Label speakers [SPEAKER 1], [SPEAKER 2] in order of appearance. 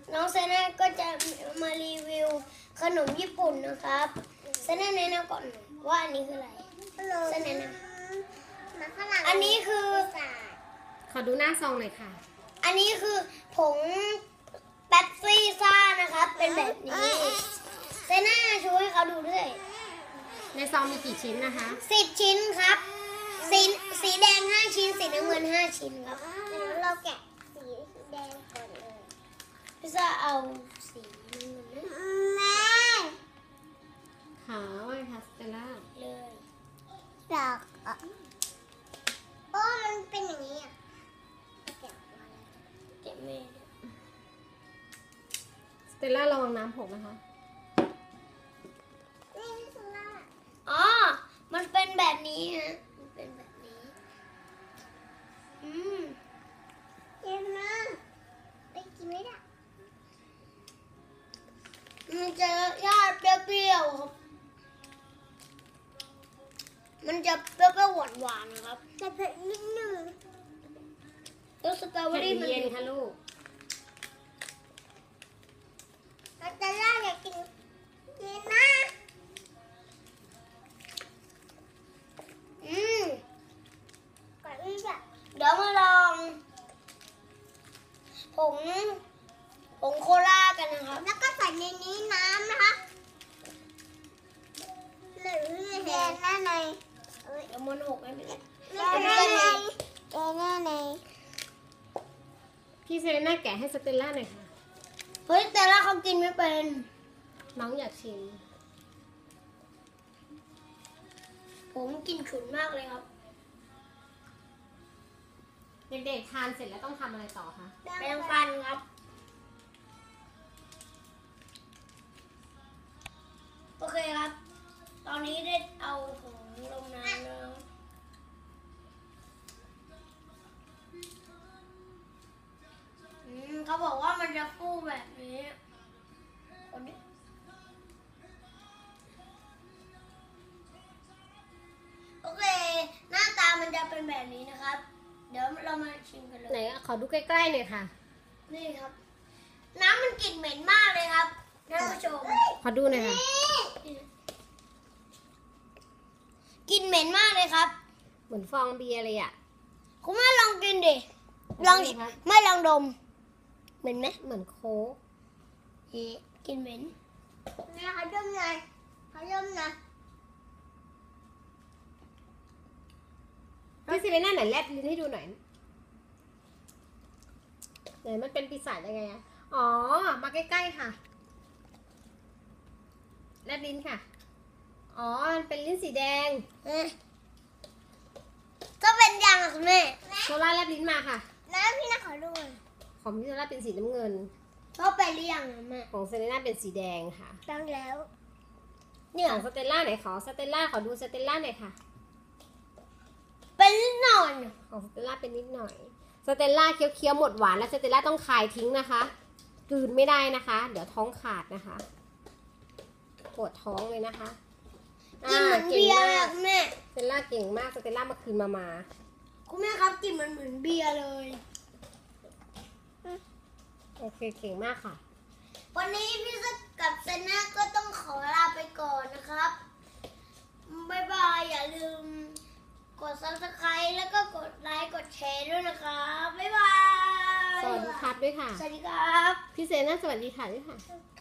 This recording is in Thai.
[SPEAKER 1] น้องเซน่าก็จะมารีวิวขนมญี่ปุ่นนะครับเซน่าแนะนำก่อนว่าอันนี้คืออะไรเซน่าแนะนำอันนี้คือ
[SPEAKER 2] ขอดูหน้าซองหน่อยค่ะ
[SPEAKER 1] อันนี้คือผงแป๊บซี่ซ่านะครับเป็นแบบนี้เซน่าช่วยให้เขาดูด้วย
[SPEAKER 2] ในซองมีกี่ชิ้นนะคะ
[SPEAKER 1] 10 ชิ้นครับสีแดง5 ชิ้นสีน้ำเงิน5 ชิ้นครับเราแกะสีแดงก่อนเลยพี่ซ่าเอาสีน้ำเงินแม่
[SPEAKER 2] ขาวไอ้พาสเตลล่า
[SPEAKER 1] เลยดอกโอ้มันเป็นอย่างนี้อ่ะแกะไม่
[SPEAKER 2] สเตลล่าระวังน้ำหกนะคะ
[SPEAKER 1] อ๋อมันเป็นแบบนี้ฮะมันเป็นแบบนี้เย็นมากไปกินไม่ได้มันจะยากเปรี้ยวๆครับมันจะเปรี้ยวๆหวานๆนะครับแต่เผ็ดนิดนึงแล้วสตรอเบอรี่มัน
[SPEAKER 2] เย็นค่ะลูก
[SPEAKER 1] แต่ล่าอยากกินเย็นมากก่อนอื่นเดี๋ยวมาลองผงโคลากันนะครับแล้วก็ใส่ในนี้น้ำนะคะหรือแดงหน้าในเดี๋ยวมันหกไม่เป็นไรแดงหน้าในแดงหน้าใน
[SPEAKER 2] พี่เซเลน่าแกะให้สเตลล่าหน่อยค่ะ
[SPEAKER 1] เฮ้ยแต่ละเขากินไม่เป็น
[SPEAKER 2] น้องอยากชิม
[SPEAKER 1] ผมกินฉุนมากเลยครับ
[SPEAKER 2] เด็กๆทานเสร็จแล้วต้องทำอะไรต่อคะ
[SPEAKER 1] แปรงฟันครับโอเคครับตอนนี้ได้เอาผงลงน้ำแล้วเขาบอกว่ามันจะฟูแบบนี้โอเคหน้าตามันจะเป็นแบบนี้นะครับเดี๋ยวเรามาชิมกันเลย
[SPEAKER 2] ไหนขอดูใกล้ๆหน่อยค่ะ
[SPEAKER 1] นี่ครับน้ำมันกลิ่นเหม็นมากเลยครับท่านผู้ชม
[SPEAKER 2] ขอดูหน่อยค่ะ
[SPEAKER 1] กลิ่นเหม็นมากเลยครับ
[SPEAKER 2] เหมือนฟองเบียร์เลยอ่ะ
[SPEAKER 1] คุณแม่ลองกินดิลองไม่ลองดมเหม็นไหม
[SPEAKER 2] เหมือนโค้ก
[SPEAKER 1] กลิ่นเหม็นนี่เขาดมไงเขาดมนะ
[SPEAKER 2] พี่ซิเลน่าไหนแลบลิ้นให้ดูหน่อยไหนมันเป็นปีศาจยังไงอะอ๋อมาใกล้ๆค่ะแลบลิ้นค่ะอ๋อมันเป็นลิ้นสีแดง
[SPEAKER 1] ก็เป็นยังอ่ะคุณแม่
[SPEAKER 2] โซล่าแลบลิ้นมาค่ะ
[SPEAKER 1] แล้วพี่น่าขอดู
[SPEAKER 2] ของพี่โซล่าเป็นสีน้ำเงิน
[SPEAKER 1] ชอบไปหรือยังแม่
[SPEAKER 2] ของเซเลน่าเป็นสีแดงค่ะ
[SPEAKER 1] ตั้งแล้ว
[SPEAKER 2] เนี่ยของสเตลล่าไหนขอสเตลล่าขอดูสเตลล่าหน่อยค่ะ
[SPEAKER 1] เป็นนิดหน่อย
[SPEAKER 2] ของสเตลล่าเป็นนิดหน่อยสเตลล่าเคี้ยวๆหมดหวานแล้วสเตลล่าต้องคายทิ้งนะคะกลืนไม่ได้นะคะเดี๋ยวท้องขาดนะคะปวดท้องเลยนะคะ
[SPEAKER 1] เก่งมากแม่
[SPEAKER 2] สเตลล่าเก่งมากสเตลล่ามาคืนมา
[SPEAKER 1] คุณแม่ครับกินมันเหมือนเบียร์เลย
[SPEAKER 2] โอเคเก่งมากค่ะ
[SPEAKER 1] วันนี้พี่ซึกกับเซน่าก็ต้องขอลาไปก่อนนะครับบ๊ายบายอย่าลืมกด Subscribe แล้วก็กดไลค์กดแชร์ด้วยนะครับบ๊ายบาย
[SPEAKER 2] สวัสดีครับด้วยค่ะ
[SPEAKER 1] สวัสดีครับ
[SPEAKER 2] พี่เซน่าสวัสดีค่ะด้วยค่ะ